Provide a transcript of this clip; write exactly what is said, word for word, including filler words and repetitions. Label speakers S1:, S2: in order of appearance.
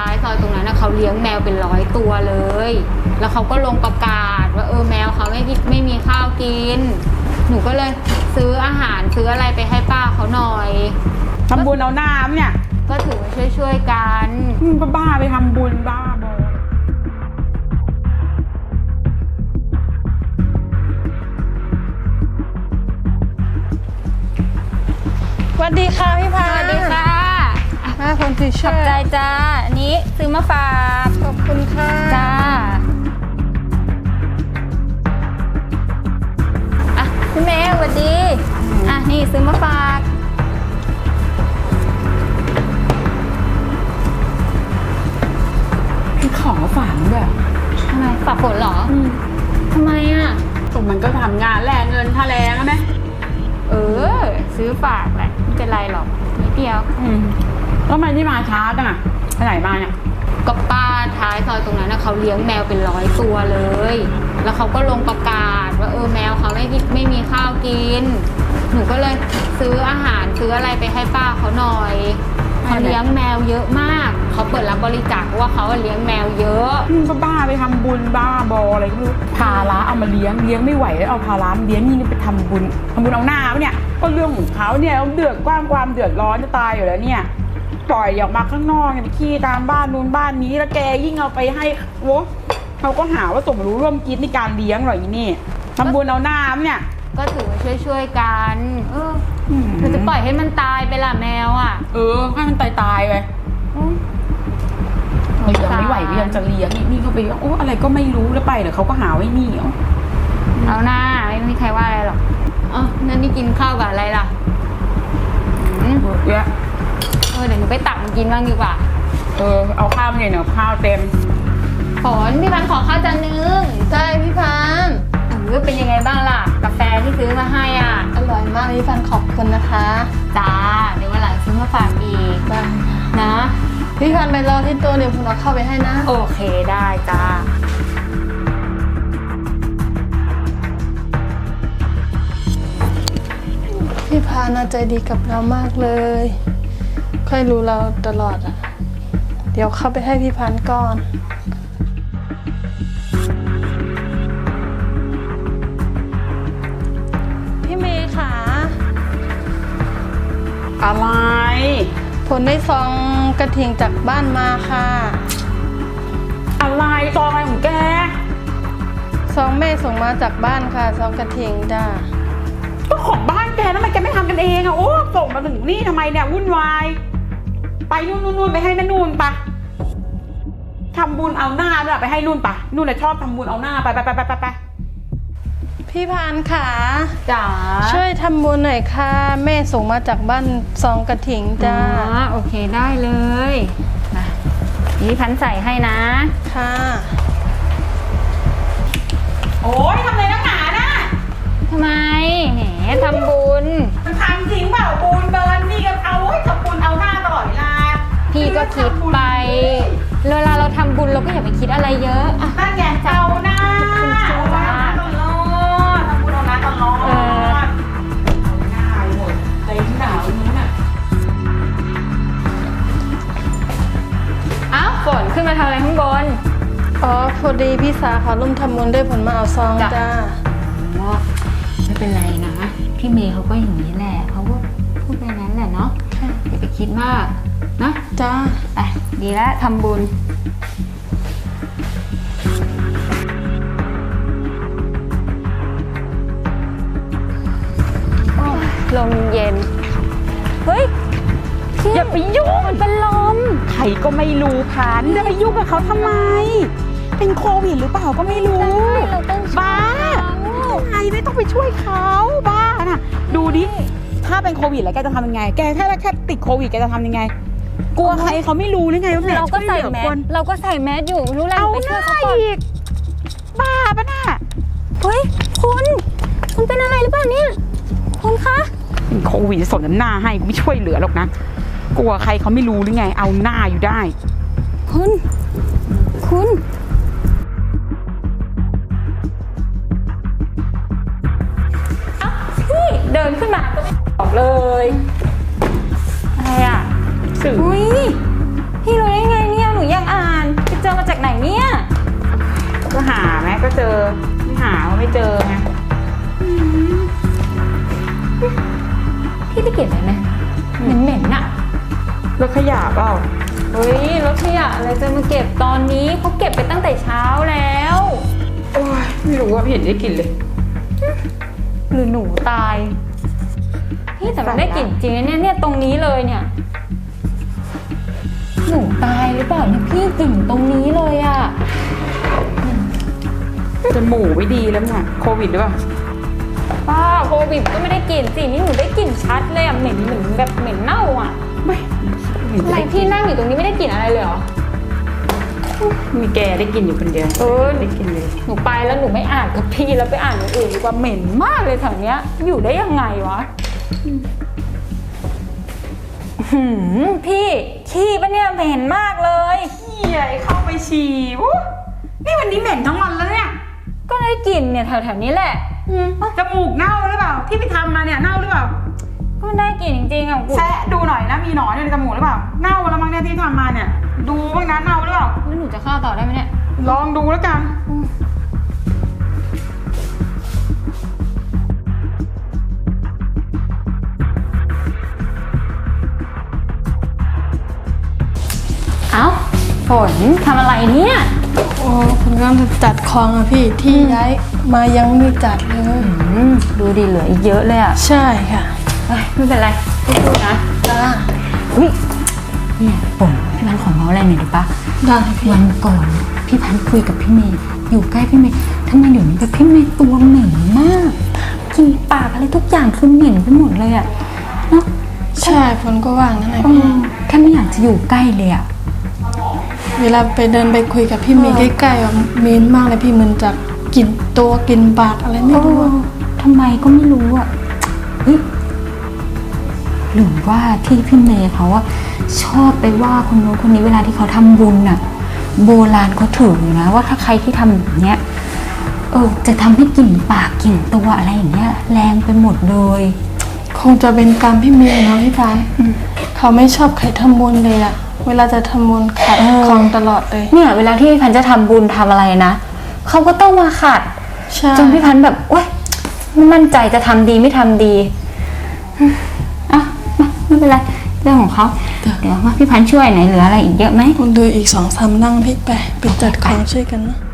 S1: ท้ายซอยตรงนั้นนะเขาเลี้ยงแมวเป็นร้อยตัวเลยแล้วเขาก็ลงประกาศว่าเออแมวเขาไม่ไม่มีข้าวกินหนูก็เลยซื้ออาหารซื้ออะไรไปให้ป้าเขาหน่อย
S2: ทำบุญเอาน้ำเนี่ย
S1: ก็ถือว่าช่วยๆกัน
S2: บ้าไปทำบุญบ้าบอ
S3: สวัสดีค่ะพี่พา
S1: สวัสดีค่ะ
S3: ห้าคนที่ช่วย
S1: ขอบใจจ้าอันนี้ซื้อมาฝาก
S3: ขอบคุณค่ะ
S1: จ้าอ่ะพี่เมย์สวัสดีอ่ะนี่ซื้อมาฝาก
S2: พี่ของมาฝากด้วย
S1: ทำไมฝากผลเหรอทำไมอ่ะ
S2: ตรงมันก็ทำงานแลกเงินค่าแรงนะ
S1: เออซื้อฝากแหละไม่เป็นไรหรอกนิดเดียว
S2: อืมแล้วทำไมที่มาช้าจังอ่ะไปไหนมาเนี่ย
S1: ก็ป้าท้ายซอยตรงนั้นนะเขาเลี้ยงแมวเป็นร้อยตัวเลยแล้วเขาก็ลงประกาศว่าเออแมวเขาไม่ไม่มีข้าวกินหนูก็เลยซื้ออาหารซื้ออะไรไปให้ป้าเขาหน่อยเขาเลี้ยงแมวเยอะมากเขาเปิดรับบริจาคเพราะว่าเขาเลี้ยงแมวเยอะ
S2: มึงก็บ้าไปทำบุญบ้าบออะไรก็ไม่รู้ภาระเอามาเลี้ยงเลี้ยงไม่ไหวแล้วเอาภาระเลี้ยงนี่ไปทำบุญทำบุญเอาหน้าเนี่ยก็เรื่องของเขาเนี่ยเดือดกว้างความเดือดร้อนจะตายอยู่แล้วเนี่ยปล่อยออกมาข้างนอกเนี่ยขี้ตามบ้านนู้นบ้านนี้แล้วแกยิ่งเอาไปให้โว้เขาก็หาว่าสมรู้ร่วมคิดในการเลี้ยงหรออีนี่ทำบุญเอาหน้าเนี่ย
S1: ก็ถือว่าช่วยๆกันเออเราจะปล่อยให้มันตายไปล่ะแมวอ่ะ
S2: เออให้มันตายตายไปเรายังไม่ไหวก็ยังจะเลี้ยงนี่นี่ก็ไปโอ้อะไรก็ไม่รู้แล้วไปเดี๋ยวเขาก็หาไว้นี่
S1: เอาหน้าไม่มีใครว่าอะไรหรอกอ๋อนั่นนี่กินข้าวกับอะไรล่ะ
S2: เยอะ
S1: เออเดี๋ยวหนูไปตักมากินบ้างดีกว่า
S2: เออเอาข้าวมาเนี่ยเนาะข้าวเต็ม
S1: ฝนพี่พันขอข้าวจานนึง
S3: ใช่พี่พัน
S1: เออเป็นยังไงบ้างล่ะกาแฟที่ซื้อมาให้อ่ะ
S3: อร่อยมากพี่พันขอบคุณนะคะ
S1: จ้าเดี๋ยววันหลังซื้อมาฝากอีกนะ
S3: พี่พันไปรอที่ตัวเดี๋ยวผมเอาเข้าไปให้นะ
S1: โอเคได้จ้า
S3: พี่พาน่าใจดีกับเรามากเลยค่อยรู้เราตลอดอ่ะเดี๋ยวเข้าไปให้พี่พันก่อนพี่เมย์ค่ะ
S2: อะไร
S3: ผลได้ซองกระถิ่งจากบ้านมาค่ะ
S2: อะไรซองอะไรของแก
S3: ซองแม่ส่งมาจากบ้านค่ะซองกระถิ่งจ้า
S2: ก็ของบ้านแกทำไมแกไม่ทำกันเองอะโอ้ส่งมาถึงนี่ทำไมเนี่ยวุ่นวายไปนู่นนู่นไปให้แม่นู่นปะทำบุญเอาหน้าด้วยไปให้นู่นปะนู่นเลยชอบทำบุญเอาหน้าไปไปไปไปไปไป
S3: พี่พานค่ะ
S1: จ๋า
S3: ช่วยทำบุญหน่อยค่ะแม่ส่งมาจากบ้านซองกระถิ่งจ้า
S1: โอเคได้เลยนะนี่พันใส่ให้นะ
S3: ค่ะ
S2: โอ้ยทำอะไรนักหนาน่ะ
S1: ทำไมแหมทำบุญ
S2: มันทำจริงเปล่าบุญเบิร์นนี่ก็เอาทำบุญเอาหน้าตลอดเวลา
S1: พี่ก็คิดไปเวลาเราทำบุญเราก็อย่าไปคิดอะไรเยอะ
S2: นั่นไงเอาหน้าเอาหน้าตลอดทำบุญเอาหน้าตลอดเอาหน้าหมดใจหนาวนู้นอ่ะ
S1: อ้าวฝนขึ้นมาทำอะไรข้างบน
S3: อ๋อพอดีพี่สาเขาร่วมทำบุญด้วยผลมาเอาซองจ้า
S1: ไม่เป็นไรนะพี่เมย์เขาก็อย่างนี้แหละเขาก็พูดไปนั้นแหละเนาะอย่าไปคิดมากนะ
S3: จ้า
S1: ไปดีแล้วทำบุญลมเย็นเฮ้ย
S2: อย่าไปยุ่ง
S1: มันเป็นลม
S2: ใครก็ไม่รู้พันจะไปยุ่งกับเขาทำไมเป็นโควิดหรือเปล่าก็ไม่รู้บ้าไงไม่ต้องไปช่วยเขาบ้าน่ะดูดิถ้าเป็นโควิดแล้วแกจะทำยังไงแกแค่แค่ติดโควิดแกจะทำยังไงกลัวใครเขาไม่รู้หรือไงว่า
S1: เราก็ใส่แมสเราก็ใส่แมสอยู่รู้แล้วไปช่วยเขาอีก
S2: บ้าปะน่ะ
S1: เฮ้ยคุณคุณเป็นอะไรหรือเปล่าเนี่ยคุณคะ
S2: เป็นโควิดสนน้ำหน้าให้ไม่ช่วยเหลือหรอกนะกลัวใครเขาไม่รู้หรือไงเอาหน้าอยู่ได้
S1: คุณคุณพี่เดินขึ้นมาก็ไม่บอกเลยอะไรอ่ะอุ้ยพี่รู้ได้ไงเนี่ยหนูอยาก
S2: จอไม่หาว่าไม่เจอไง
S1: พี่ได้กลิ่นอะไรไหมเหม็นๆน่ะ
S2: รถขยะเปล่า
S1: เฮ้ยรถขยะอะไรจะมาเก็บตอนนี้เขาเก็บไปตั้งแต่เช้าแล้ว
S2: โอ้ยไม่รู้ว่าเห็นได้กลิ่นเลย
S1: หรือหนูตายพี่แต่มันได้กลิ่นจริงนะเนี่ยเนี่ยตรงนี้เลยเนี่ยหนูตายหรือเปล่าเนี่ยพี่กลิ่นตรงนี้เลยอะ
S2: จมูกไม่ดีแล้วเนี่ยโควิดหรือเปล่า
S1: ป้าโควิดก็ไม่ได้กลิ่นสินี่หนูได้กลิ่นชัดเลยอะเหม็นเหมือนแบบเหม็นเน่าอะ
S2: ไม่เห็น
S1: ทำไม
S2: ได้
S1: พี่นั่งอยู่ตรงนี้ไม่ได้กลิ่นอะไรเลยเหรอ
S2: มีแกได้กลิ่นอยู่คนเดียว
S1: เออ
S2: ได้กลิ่นเลย
S1: หนูไปแล้วหนูไม่อ่านกับพี่แล้วไปอ่านอย่างอื่นดีกว่าเหม็นมากเลยแถวเนี้ย อยู่ได้ยังไงวะหืมพี่ขี้ปะเนี่ยเหม็นมากเลย
S2: ใหญ่เข้าไปฉี่วู้นี่วันนี้เหม็นทั้งวันแล้วเนี่ย
S1: ก็ได้กลิ่นเนี่ยแถวๆนี้แหละ
S2: จมูกเน่าหรือเปล่า ที่ไปทำมาเนี่ยเน่าหรือเปล่า
S1: ก็ได้กลิ่นจริงๆอ่ะกู
S2: แซะดูหน่อยนะมีหนอนอยู่ในจมูกหรือเปล่า เน่าแล้วมั้งเนี่ยที่ทำมาเนี่ย ดูบ้างนะเน่าหรือเปล่า
S1: แล้วหนูจะเข้าต่อได้ไหมเนี่ย
S2: ลองดูแล้วกัน
S1: เอ้าฝนทำอะไรเนี่ย
S3: โอ้ผมกำลังจะจัดของอะพี่ที่ย้ายมายังไม่จัดเลย
S1: อืมดูดีเหลืออีกเยอะเลยอ่ะ
S3: ใช่ค่ะ
S1: เฮ้ยไม่เป็นไรพูดๆนะ
S3: จ้า
S1: อุ้ยเนี่ยฝนพี่พันธุ์ขอเมาส์อะไรหน่อยดีปะ
S3: ได้พี่
S1: วันก่อนพี่พันธุ์คุยกับพี่เมย์อยู่ใกล้พี่เมย์ทำไมเดี๋ยวนี้แบบพี่เมย์ตัวเหม็นมากกินปากอะไรทุกอย่างคือเหม็นไปหมดเลยอะเนาะ
S3: ใช่ฝนก็ว่างนั่นแหละ
S1: เอ
S3: พี่
S1: อแค่ไม่อยากจะอยู่ใกล้เลยอะ
S3: เวลาไปเดินไปคุยกับพี่เมย์ใกล้ๆอะเมนมากเลยพี่เหมือนจะกินตัวกินปากอะไรไม่รู้อะ
S1: ทำไมก็ไม่รู้อะเฮ้ยหรือว่าที่พี่เมย์เขาอะชอบไปว่าคนโน้นคนนี้เวลาที่เขาทำบุญอะโบราณเขาถือนะว่าถ้าใครที่ทำแบบเนี้ยเออจะทำให้กลิ่นปากกลิ่นตัวอะไรอย่างเงี้ยแรงไปหมดเลย
S3: คงจะเป็นกรรมพี่เมย์เนาะพี่ฟ้าเขาไม่ชอบใครทำบุญเลยอะเวลาจะทำบุญขัดของตลอดเลย
S1: เนี่ยเวลาที่พี่พันธุ์จะทำบุญทำอะไรนะเขาก็ต้องมาขัด
S3: ใช่
S1: จนพี่พันธุ์แบบโอ๊ยไม่มั่นใจจะทำดีไม่ทำดีอืมอ่ะมาไม่เป็นไรเรื่องของเขาเดี๋ยวว่าพี่พันธุ์ช่วยไหนเหลืออะไรอีกเยอะไหม
S3: คุณดูอีกสองสามนั่งพี่ไปไปจัดของช่วยกันนะ